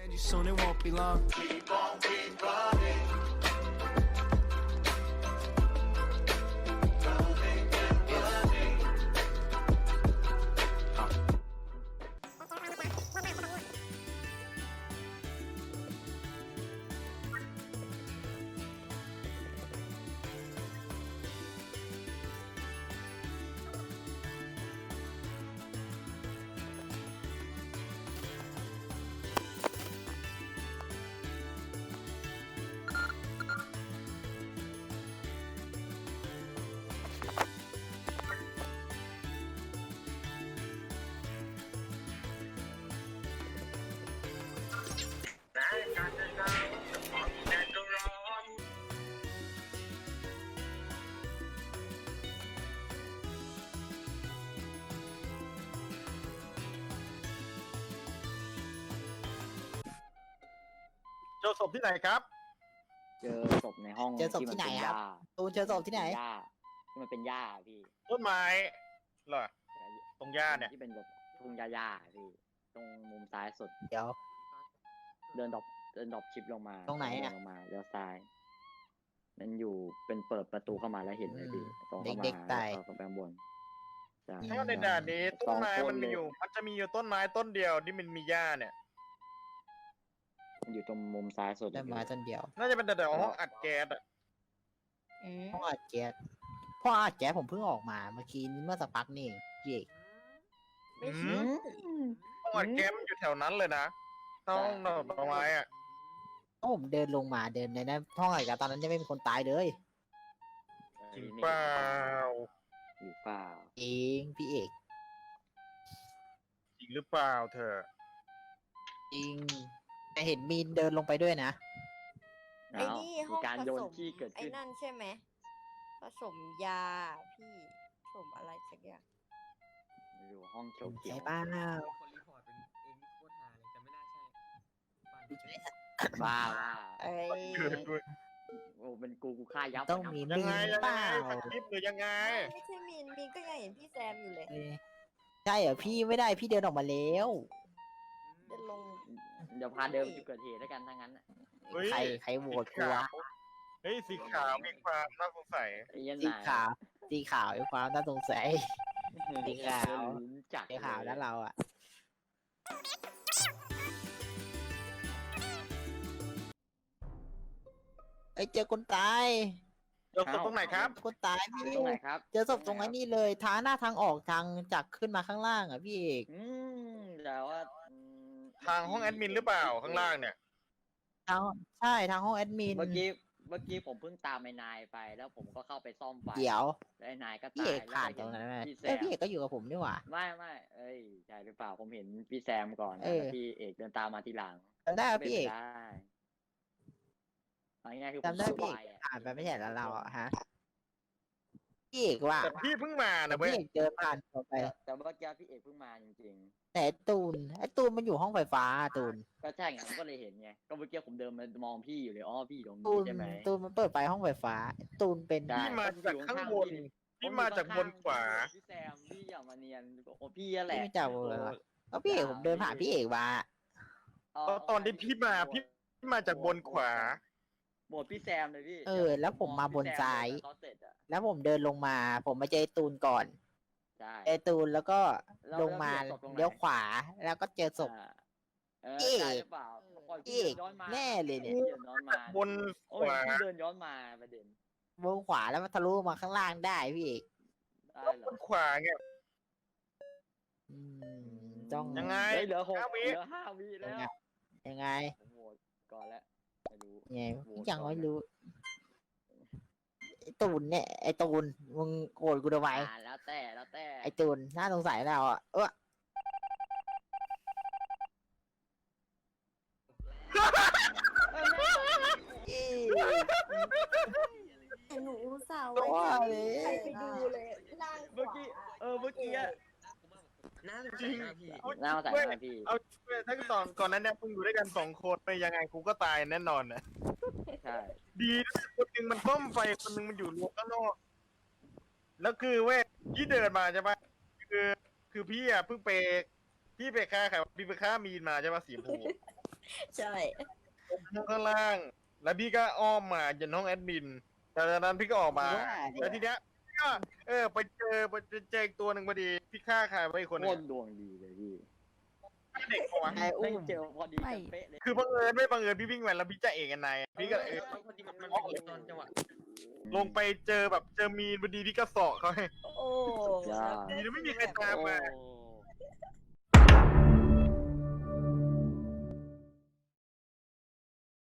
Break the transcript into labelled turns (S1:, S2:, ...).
S1: Soon it won't be long. Keep on, keep running. Running and running.
S2: เจอศพที่ไหนครับ
S3: เจอศพในห้อง
S4: เจอศพที่ไหนครับ ตูนเจอศพที่ไหน
S3: หญ้าที่มันเป็นหญ้าพี่
S2: ต้นไม้เหรอตรงหญ้าเนี่ย
S3: ที่เป็นแบบทุ่งหญ้าๆพี่ตรงมุมซ้ายสุด
S4: เดี๋ยว
S3: เดินดรอปชิปลงมา
S4: ตรงไหนอะ
S3: เดิลงมาเลี้ยวซ้ายนั่นอยู่เป็นเปิดประตูเข้ามาแล้วเห็นเลยพี่ตรงเข้ามา
S4: เด็กๆตาย
S3: แล้วก็ไปข้างบนใช่
S2: ถ้าในด่านนี้ต้นไม้
S3: สอง
S2: มันมีอยู่ มันจะมีอยู่ต้นไม้ต้นเดียวที่มันมีหญ้าเนี่ย
S3: มันอยู่ตรงมุมซ้ายสุด
S4: ได้มาต้นเดียว
S2: น่าจะเป็นแต่ห้องอัดแก๊สอะ
S4: พ่ออัดแก๊สพ่ออัดแก๊สผมเพิ่งออกมาเมื่อกี้เมื่อสักพักนี่เองพี่เอก
S2: อืมห้องอัดแก๊สมันอยู่แถวนั้นเลยนะห้องดอกไม้อะ
S4: ก็ผมเดินลงมาเดินในนั้นห้องอัดแก๊สตอนนั้นยังไม่มีคนตายเลย
S2: จริงเปล่า
S3: อยู่เปล่า
S4: เองพี่เอก
S2: จริงหรือเปล่าเธอ
S4: จริงแต่เห็นมีนเดินลงไปด้วยนะ
S5: ไอ้นี่ห้
S3: มี
S5: อง
S3: การ
S5: ผ
S3: โยน
S5: สม
S3: ขี้เกิด
S5: ไอ้
S3: ขึ้น
S5: นั่นใช่ไหมผสมยาพี่ผสมอะไรสักอย่าง
S3: อยู่ห้องเขียว
S4: ใช่เปล่า
S6: คนรีพอร์ตเป็นเองนี่โคตรฮาเลยแต่ไม่น่าใช่ปั่น
S3: บ้า
S5: เอ้ย
S2: เกิดด้วย
S3: โอ้เป็นกูฆ่ายับ
S4: ต้องมี
S2: ยัง
S4: มี
S2: ไง
S4: น
S2: ยัง
S4: เป
S2: ไง
S4: ล่า
S2: สคริปต์หรือยังไง
S5: ไม่ใช่มีนก็ยังเห็นพี่แซมอยู่เลย
S4: เอ้ยใช่เหรอพี่ไม่ได้พี่เดินออกมาแล้ว
S5: เดินลง
S3: เดี๋ยวพาเดินจุดเกิดเหตุแล้วกันถ้างั้นน่ะ
S2: เฮ้ย
S4: ใครโหวตกูวะ
S2: เฮ้ยสีขาวมีความน่าสงสัย
S3: ไอ้เหี้ยัน
S4: สีขาวสีขาวมีความน่าสงสัย สีขาว
S3: จัด
S4: สีขาวแล้วเราอ่ะเอ้ยเจอคนตาย
S2: เจอศพตรงไหนครับ
S4: คนตายพี่
S3: ตรงไหนครับ
S4: เจอศพตรงไอ้นี่เลยทางหน้าทางออกทางจากขึ้นมาข้างล่างอ่ะพี่เอก
S3: แต่ว่า
S2: ทางห้องแอดมินหรือเปล่าข้างล่างเนี่ย
S4: ทางใช่ทางห้องแอดมิน
S3: เมื่อกี้ผมเพิ่งตามไอ้นายไปแล้วผมก็เข้าไปซ่อมไฟ
S4: เดี๋ยว
S3: แล้วไอ้นายก็
S4: พี่
S3: ตา
S4: เอย กผ่านตรงนั้นไหม
S3: พี่แซ
S4: เอ้ย
S3: ม
S4: พี่เอกก็อยู่กับผมนี่หว่า
S3: ไม่เอ้ยใช่หรือเปล่าผมเห็นพี่แซมก่อน
S4: เออ
S3: แล้วพี่เอกเดินตามมาทีหลัง
S4: จำได้ว่าพี่เอก
S3: ได้เอาง่ายๆคือผม
S4: จำได้พี่เอก
S3: อะ
S4: ผ่านไปไม่ใช่แล้วเราอ่ะฮะพี่เอกว่า
S2: แต่พี่เพิ่งมานะเว้
S4: พี่
S2: ย
S4: เอกเดินผ่านผมไป
S3: แต่เมื่อกี้พี่เอกเพิ่งมาจริง
S4: แต่ไอ้ตูนมันอยู่ห้องไฟฟ้าตูน
S3: ๆก็ใช่ไงผมก็เลยเห็นไงก็เมื่อกี้ผมเดินมามองพี่อยู่เลยอ๋อพี่อยู่ตรง
S4: ตู
S3: นี้
S4: น
S3: ใช่ไหม
S4: ตูนมันเปิดไฟห้องไฟฟ้า ตูนเป็น
S3: ได้
S2: พี่มาจากข้างบน พี่มาจากบนขวา
S3: พี่แซมพี่อย่ามาเนียนโอ้พี่นั่นแห
S4: พี่
S3: ละ
S4: ไม่จับเลยเหรอแล้วพี่เอกผมเดินผ่านพี่เอกมา
S2: ตอนที่พี่มาพี่มาจากบนขวา
S3: โหวตพี่แซมเลยพี่
S4: แล้วผมมาบนซ้าย
S3: เขาเสร็จอะ
S4: แล้วผมเดินลงมา ผมมาเจอไอ้ตูนก่อน
S3: ใช่
S4: ไอ้ตูนแล้วก็
S3: แล้ว
S4: ลงมา
S3: แล้วศพตรงไหน
S4: เลี้ยวขวาแล้วก็เจอศพ
S3: เออ
S4: เอก
S3: ใช่หรือเปล่าปล่อย
S4: เอ
S3: พี่
S4: ก
S3: เดินย้อนมา
S4: แน่เลยเนี่ย
S3: พี่เดินย้อนมา
S2: บน
S3: โอ้
S2: ข
S3: ยว
S2: า
S3: พี่เดินย้อนมาประเด็น
S4: วงขวาแล้วมันทะลุมาข้างล่างได้พี่เอก
S3: ได้เหร
S2: บ
S3: อน
S2: ขวาไง
S4: อืต้อง
S2: ยังไง
S3: เฮ้ยเหลือ
S2: 5 วิ
S3: เหลือ5 วิแล้ว
S4: ยังไง
S3: ผมโหวตก่อนแล้วไม่รู้
S4: ไง
S3: โหวต
S4: ยัง
S3: ก่อน
S4: ไม่รู้ไอ้ตูนเนี่ยไอ้ตูนมึงโกรธกูทำไม
S3: แล้วแต่
S4: ไอ้ตูนน่าสงสัยแล้วอ่ะ
S5: แต่หนูอุตส่าห์
S4: โอ้
S5: ไว้
S4: ย
S5: ใครไปดูเลยล่างข
S3: เมื่อ
S5: วา
S3: กี้เมื่อกี้อะ
S6: น่าสงสัยนะพี่
S3: น่าสงสัยมากพี่
S2: เอาถ้าก่อนนั้นเนี่ยมึงอยู่ด้วยกัน2 คนไปยังไงกูก็ตายแน่นอนนะ
S3: ใช่
S2: ดีนะคนหนึงมันต้มไฟคนหนึงมันอยู่รั้วข้างนอกแล้วคือเว้ยพี่เดินมาใช่ปะคือพี่อ่ะเพิ่งไปพี่ไปฆ่าใครวะพี่ไปฆ่ามีนมาใช่ปะสีชมพู
S5: ใช่
S2: ห้องข้างล่าง แล้วพี่ก็อ้อมมาจนห้องแอดมินจากนั้นพี่ก็ออกมา แล้วทีเนี้ยก็ไปเจออีกตัวหนึ่งพอดี พี่ฆ่าใครไว้อีกคนห
S3: โค
S2: นึง
S3: ตรดวงดีเลยพี่
S2: เด็กปะวะ
S4: นายอุ้
S3: ไม่
S4: ม
S3: เจอพอดีกันเป๊ะเลย
S2: คือบังเอิญไม่บังเอิญพี่วิ่งมาแล้วพี่จะเอกกันนายพี่ก็
S6: พอดีมันเป็นตอนจังหวะ
S2: ลงไปเจอมีนพอดีพี่ก็เสาะเขาให้
S5: โอ้
S3: ยาก
S2: ดีนะไม่มีใครตามมา
S3: โอ้